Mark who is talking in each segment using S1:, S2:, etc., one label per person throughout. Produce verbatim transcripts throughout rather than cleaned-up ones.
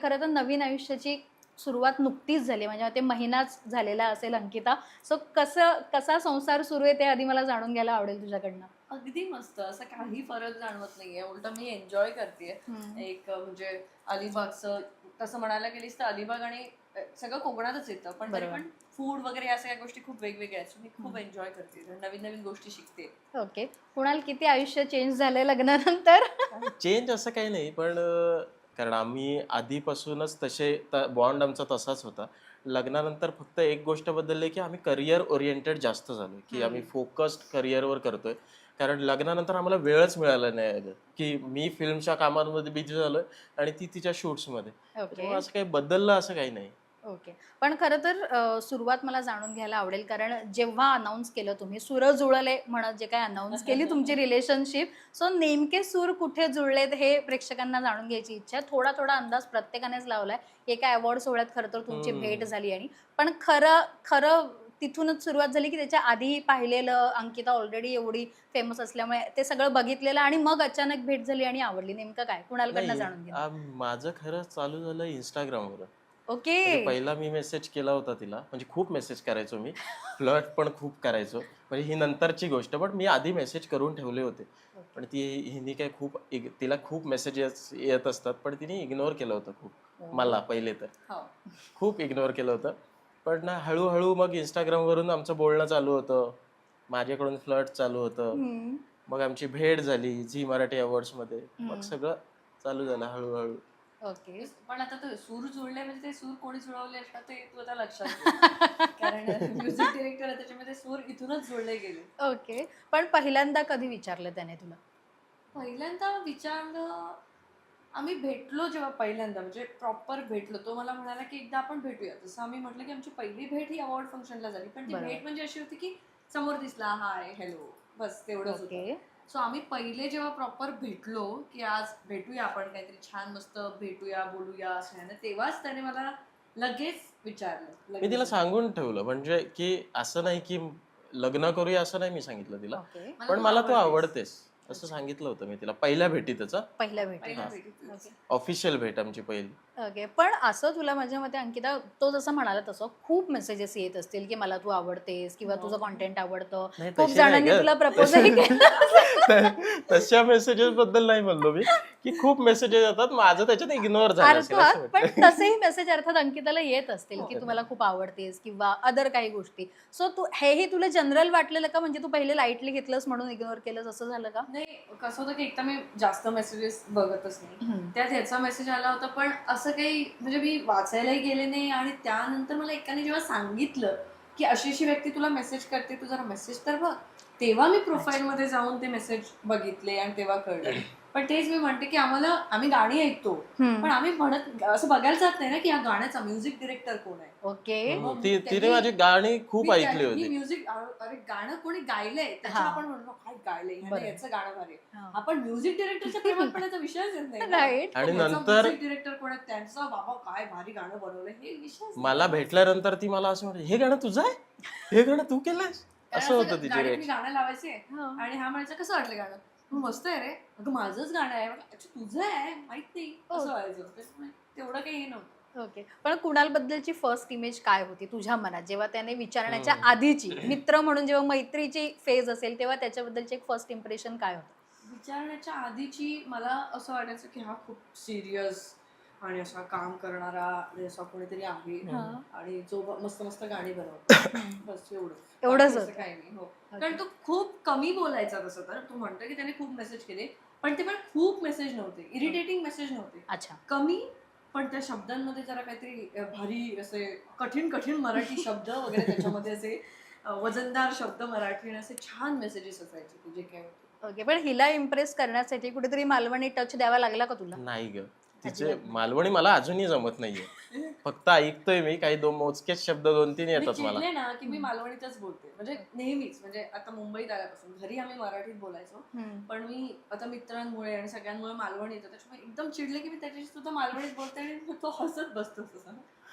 S1: खरं तर नवीन आयुष्याची सुरुवात नुकतीच झाली, म्हणजे ते महिनाच झालेला असेल अंकिता. सो कसं कसा संसार सुरू आहे ते आधी मला जाणून घ्यायला आवडेल तुझ्याकडनं.
S2: अगदी मस्त, असं काही फरक जाणवत नाहीये, उलट मी एन्जॉय करतेय. एक अ, म्हणजे अलिबागचं तसं म्हणायला गेलीस तर अलिबाग आणि अ, सगळं कोकणातच येतं, पण तरी
S1: बरोबर.
S2: पण फूड वगैरे या सगळ्या गोष्टी खूप वेगवेगळ्या आहेत. So मी खूप एन्जॉय करते, नवीन नवीन गोष्टी शिकते.
S1: ओके. कुणाल किती आयुष्य चेंज झालंय लग्नानंतर?
S3: चेंज असं काही नाही, पण अ, कारण आम्ही आधीपासूनच तसे बॉन्ड आमचा तसाच होता. लग्नानंतर फक्त एक गोष्ट बदलली की आम्ही करिअर ओरिएंटेड जास्त झालो, की आम्ही फोकस्ड करिअरवर करतोय. कारण लग्नानंतर आम्हाला वेळच मिळाला नाही आहे, की मी फिल्मच्या कामांमध्ये बिझी झालोय आणि ती तिच्या शूट्समध्ये.
S1: ओके.
S3: त्यामुळे असं काही बदललं असं काही नाही.
S1: ओके. पण खरं तर अ, सुरुवात मला जाणून घ्यायला आवडेल, कारण जेव्हा अनाउन्स केलं तुम्ही सूर जुळले म्हणत जे काही अनाउन्स केली तुमची रिलेशनशिप, सो नेमके सूर कुठे जुळलेत हे प्रेक्षकांना जाणून घ्यायची इच्छा आहे. थोडा थोडा अंदाज प्रत्येकानेच लावलाय. एका अवॉर्ड सोहळ्यात खरं तर तुमची
S3: हम्म.
S1: भेट झाली, आणि पण खरं खरं तिथूनच सुरुवात झाली की त्याच्या आधी पाहिलेलं अंकिता ऑलरेडी एवढी फेमस असल्यामुळे ते सगळं बघितलेलं आणि मग अचानक भेट झाली आणि आवडली. नेमकं काय कुणालकडनं
S3: नाही,
S1: जाणून घ्या.
S3: आ, माझं खरं चालू झालं इंस्टाग्रामवर.
S1: ओके.
S3: म्हणजे पहिला मी मेसेज केला होता तिला, म्हणजे खूप मेसेज करायचो मी, फ्लर्ट पण खूप करायचो. म्हणजे ही नंतरची गोष्ट, पण मी आधी मेसेज करून ठेवले होते. पण ती हिने काय खूप इग- तिला खूप मेसेजेस येत असतात, पण तिने इग्नोर केलं होतं खूप मला पहिले तर.
S2: हो.
S3: खूप इग्नोर केलं होतं. पण ना हळूहळू मग इंस्टाग्रामवरून आमचं बोलणं चालू होतं, माझ्याकडून फ्लर्ट चालू होतं.
S1: हम्म.
S3: मग आमची भेट झाली झी मराठी अवॉर्ड्समध्ये. मग
S1: हम्म.
S3: सगळं चालू झालं हळूहळू.
S1: ओके.
S2: पण आता ते सूर जुळले म्हणजे ते सूर कोणी जुळवले असतात ते तू आता लक्षात घे. कारण म्युझिक डिरेक्टर आहे, त्याच्यामध्ये सूर इथूनच जुळले गेले.
S1: ओके. पण पहिल्यांदा कधी विचारलं त्याने तुला?
S2: पहिल्यांदा विचारलं, आम्ही भेटलो जेव्हा पहिल्यांदा, म्हणजे प्रॉपर भेटलो, तो मला म्हणाला की एकदा आपण भेटूया. जसं आम्ही म्हटलं की आमची पहिली भेट ही अवॉर्ड फंक्शनला झाली, पण ती
S1: बरोबर.
S2: भेट म्हणजे अशी होती की समोर दिसला, हाय हॅलो, बस तेवढंच होतं.
S1: ओके.
S2: सो आम्ही पहिले जेव्हा प्रॉपर भेटलो की आज भेटूया आपण, काहीतरी छान मस्त भेटूया बोलूया असं आहे ना, तेव्हाच त्याने मला लगेच विचारलं.
S3: मी तिला
S2: लगेच.
S3: सांगून ठेवलं, म्हणजे की असं नाही की लग्न करूया असं नाही मी सांगितलं तिला,
S1: ओके.
S2: मला
S3: पण
S2: तू
S3: मला तू
S2: आवडतेस.
S3: आवडतेस असं सांगितलं होतं मी तिला पहिल्या भेटीतच.
S1: पहिल्या भेटी.
S2: पहिल्या
S3: हा.
S2: भेटीतच.
S1: ओके.
S3: ऑफिशियल भेट आमची पहिली.
S1: ओके. पण असं तुला माझ्या मते अंकिता, तो जसं म्हणाला तसं खूप मेसेजेस येत असतील की मला तू आवडतेस किंवा
S2: हो.
S1: तुझं कॉन्टेंट आवडतं.
S3: नाही,
S1: खूप
S3: तसे नाही
S1: जणांनी
S3: ग.
S1: तुला प्रपोजही केलं.
S3: तशा मेसेजेस बद्दल नाही म्हणलो मी, की खूप मेसेजेस येतात, माझं त्याच्यात इग्नोर झालं असेल असं
S1: अर्थात, पण
S3: म्हटलं.
S1: तसेही मेसेज अर्थात अंकिताला येत असतील की
S3: हो.
S1: तू मला खूप आवडतेस किंवा अदर काही गोष्टी. सो तू हेही तुला जनरल वाटलेलं का, म्हणजे तू पहिले लाईटली घेतलंस म्हणून इग्नोर केलंस असं झालं का?
S2: नाही, कसं होतं की एकदा मी जास्त मेसेजेस बघतच नाही.
S1: हम्म.
S2: त्यात ह्याचा मेसेज आला होता, पण असं काही म्हणजे मी वाचायलाही गेले नाही. आणि त्यानंतर मला एकाने जेव्हा सांगितलं की अशी अशी व्यक्ती तुला मेसेज करते, तू जरा मेसेज तर बघ, तेव्हा मी प्रोफाईल मध्ये जाऊन ते मेसेज बघितले आणि तेव्हा कळलं. पण तेच मी म्हणते की आम्हाला, आम्ही गाणी ऐकतो,
S1: हम्म.
S2: पण आम्ही म्हणत असं बघायला जात नाही ना की या गाण्याचा म्युझिक डिरेक्टर कोण आहे.
S1: ओके.
S3: हम्म. ती तिने माझी गाणी खूप ऐकली होती.
S2: म्युझिक, अरे गाणं कोणी गायलंय त्याचं
S1: हा.
S2: आपण म्हणतो काय गायलंय
S1: बरोबर.
S2: ह्याने, याचं गाणं भारी आहे.
S1: हा.
S2: आपण म्युझिक डिरेक्टरच्या प्रेमात पडायचा विषयच येत नाही ना.
S1: राईट.
S3: आणि
S2: याचा
S3: नंतर
S2: म्युझिक डिरेक्टर कोण आहे, त्यांचा बाबा काय भारी गाणं बनवलंय, हे विषय
S3: मला भेटल्यानंतर ती मला असं म्हणते, हे गाणं तुझं आहे, हे गाणं तू केलंयस, असं होतं तिची
S2: गाडी
S3: reaction.
S2: गाणं लावायचे
S1: हा.
S2: आणि हा म्हणायचं कसं वाटलं गाणं, "हं, मस्त आहे रे, अगं माझंच गाणं आहे." म्हटलं, अच्छा तुझं आहे, माहित नाही, असं व्हायचं. त्याच्यामुळे तेवढं काही हे नव्हतं.
S1: ओके. पण कुणाल बद्दलची फर्स्ट इमेज काय होती तुझ्या मनात, जेव्हा त्याने विचारण्याच्या
S3: हम्म.
S1: आधीची, मित्र म्हणून जेव्हा मैत्रीची फेज असेल तेव्हा त्याच्याबद्दलचे एक फर्स्ट इम्प्रेशन काय होतं?
S2: विचारण्याच्या आधीची मला असं वाटायचं की हा खूप सिरियस आणि असा काम करणारा आणि असा कोणीतरी आहे
S1: हा.
S2: आणि जो ब- मस्त मस्त गाणी बनवतो. बस एवढं.
S1: एवढंच
S2: बाकी असं
S1: होतं.
S2: काही नाही. हो. कारण तो खूप कमी बोलायचा. तसं तर तू म्हणतो की त्याने खूप मेसेज केले, पण ते पण खूप मेसेज नव्हते, इरिटेटिंग मेसेज नव्हते,
S1: अच्छा.
S2: कमी. पण त्या शब्दांमध्ये जरा काहीतरी अ, भारी असे कठीण कठीण मराठी शब्द वगैरे त्याच्यामध्ये असे अ, वजनदार शब्द मराठी आणि असे छान मेसेजेस असायचे तुझे काय होते.
S1: ओके. पण हिला इम्प्रेस करण्यासाठी कुठेतरी मालवणी टच द्यावा लागला का तुला?
S3: नाही ग, तिचे
S1: अजिबात नाही.
S3: मालवणी मला अजूनही जमत नाहीये. फक्त ऐकतोय मी, काही दोन मोजकेच शब्द दोन तीन
S2: मी
S3: येतात मला.
S2: चिडले ना की मी मालवणीतच बोलते, म्हणजे नेहमीच. म्हणजे आता मुंबईत आल्यापासून घरी आम्ही मराठीत बोलायचो,
S1: हम्म.
S2: पण मी आता मित्रांमुळे आणि सगळ्यांमुळे मालवणी येतं, त्याच्यामुळे एकदम चिडले की मी त्याच्याशी सुद्धा मालवणीत बोलते आणि मग तो हसत बसतो तसं.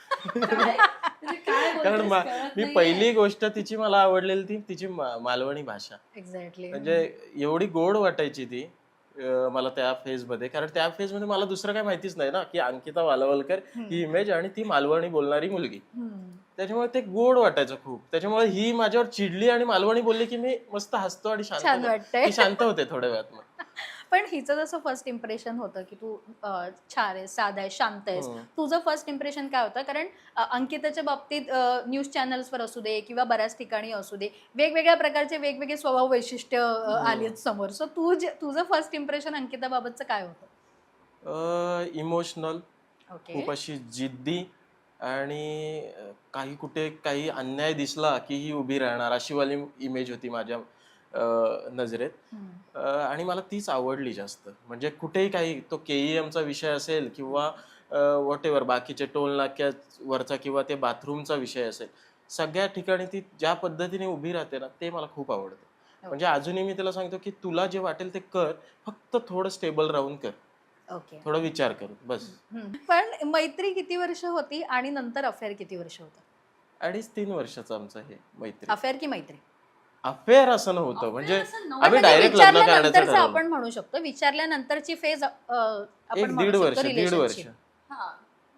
S2: काय म्हणजे काय
S3: कारण
S2: बोलतेस
S3: मा-
S2: कळत
S3: मी
S2: नाहीये.
S3: पहिली गोष्ट तिची मला आवडलेली ती तिची मा- मालवणी भाषा.
S1: एक्झॅक्टली.
S3: म्हणजे एवढी गोड वाटायची ती, अं, मला त्या फेजमध्ये, कारण त्या फेजमध्ये मला दुसरं काय माहितीच नाही ना की अंकिता मालवलकर ही इमेज आणि ती मालवणी बोलणारी मुलगी. त्याच्यामुळे ते गोड वाटायचं खूप. त्याच्यामुळे ही माझ्यावर चिडली आणि मालवणी बोलली की मी मस्त हसतो आणि
S1: छान
S3: शांत
S1: वाटतंय.
S3: ती शांत होते थोड्या वेळात मग.
S1: पण हिचं जसं फर्स्ट इम्प्रेशन होतं की तू अं, छान आहेस, साधा आहेस, शांत आहेस,
S3: हम्म.
S1: तुझं फर्स्ट इम्प्रेशन काय होतं? कारण अं, अंकिताच्या बाबतीत न्यूज चॅनल्सवर असू दे किंवा बऱ्याच ठिकाणी असू दे, वेगवेगळ्या प्रकारचे वेगवेगळे स्वभाव वैशिष्ट्य अं, आलीत समोर. सो तू जे तुझं फर्स्ट इम्प्रेशन अंकिताबाबतचं काय होतं?
S3: Emotional,
S1: okay.
S3: खूप अशी जिद्दी आणि अं, काही कुठे काही अन्याय दिसला की ही उभी राहणार अशी वाली इमेज होती माझ्या अं, नजरेत. अं, आणि मला तीच आवडली जास्त. म्हणजे कुठेही काही तो केईएमचा विषय असेल किंवा व्हॉट एव्हर बाकीचे टोल नाक्यावरचा किंवा ते बाथरूमचा विषय असेल, सगळ्या ठिकाणी ती ज्या पद्धतीने उभी राहते ना ते मला खूप आवडतं. म्हणजे अजूनही मी तिला सांगतो की तुला जे वाटेल ते कर, फक्त थोडं स्टेबल राहून कर,
S1: ओके.
S3: थोडा विचार कर बस.
S1: पण मैत्री किती वर्ष होती आणि नंतर अफेअर किती वर्ष होतं?
S3: अडीच तीन वर्षाचं आमचं हे मैत्री.
S1: अफेअर की मैत्री?
S3: अफेअर असं नव्हतं, म्हणजे
S2: असं नव्हतं.
S3: आम्ही
S1: म्हणजे
S3: डायरेक्ट लग्न करायचं
S1: विचारल्यानंतरचं
S3: ठरवलं.
S1: आपण म्हणू शकतो, विचारल्यानंतरची फेज आपण
S3: एक
S1: म्हणू
S3: दीड
S1: शकतो
S3: वर्ष दीड वर्ष
S1: relationship.
S2: हा.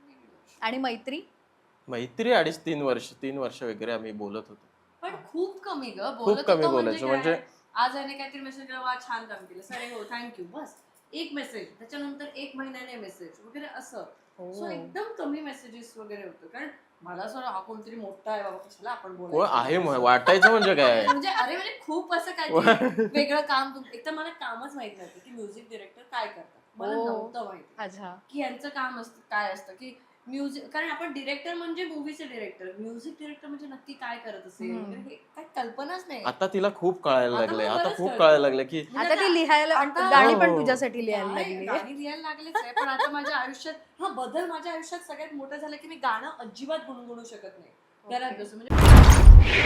S1: आणि मैत्री?
S3: मैत्री अडीच तीन वर्ष तीन वर्ष वगैरे आम्ही बोलत होतो.
S2: पण खूप कमी ग
S3: खूप
S2: बोलत
S3: कमी
S2: होतो
S3: बोलायचो.
S2: काय?
S3: म्हणजे
S2: आज याने काहीतरी मेसेज केला, वा छान काम केलं, सर हो थँक्यू, बस एक मेसेज, त्याच्यानंतर एक महिन्याने मेसेज वगैरे असं. सो एकदम कमी मेसेजेस वगैरे होतं. कारण मला असं हा कोणतरी मोठा आहे बाबा, कशाला आपण
S3: कोण
S2: बोलायचं
S3: आहे
S2: असं.
S3: वाटायचं म्हणजे काय.
S2: म्हणजे अरे म्हणजे खूप असं काहीतरी वेगळं काम तुम- एक तर मला कामच माहित नव्हतं की म्युझिक डिरेक्टर काय करतात. मला
S1: ओ.
S2: नव्हतं माहिती
S1: अच्छा.
S2: की यांचं काम असतं काय असतं की म्युझिक. कारण आपण डिरेक्टर म्हणजे मूवीचे डिरेक्टर, म्युझिक डिरेक्टर म्हणजे नक्की काय करत असेल
S1: हम्म.
S2: वगैरे हे काय कल्पनाच नाही.
S3: आता तिला खूप कळायला
S2: आता
S3: लागले,
S2: मला
S3: आता
S2: बरंच
S3: खूप
S2: कळतं.
S3: कळायला लागले की
S2: म्हणजे
S1: आता ती लिहायला
S2: आता-
S1: गाणी पण
S3: हो.
S1: तुझ्यासाठी लिहायला
S2: काय,
S1: लागली.
S2: गाणी लिहायला लागलेच आहे. पण आता माझ्या आयुष्यात हा बदल माझ्या आयुष्यात सगळ्यात मोठा झाला की मी गाणं अजिबात गुणगुणू शकत नाही. घरात बसून म्हणजे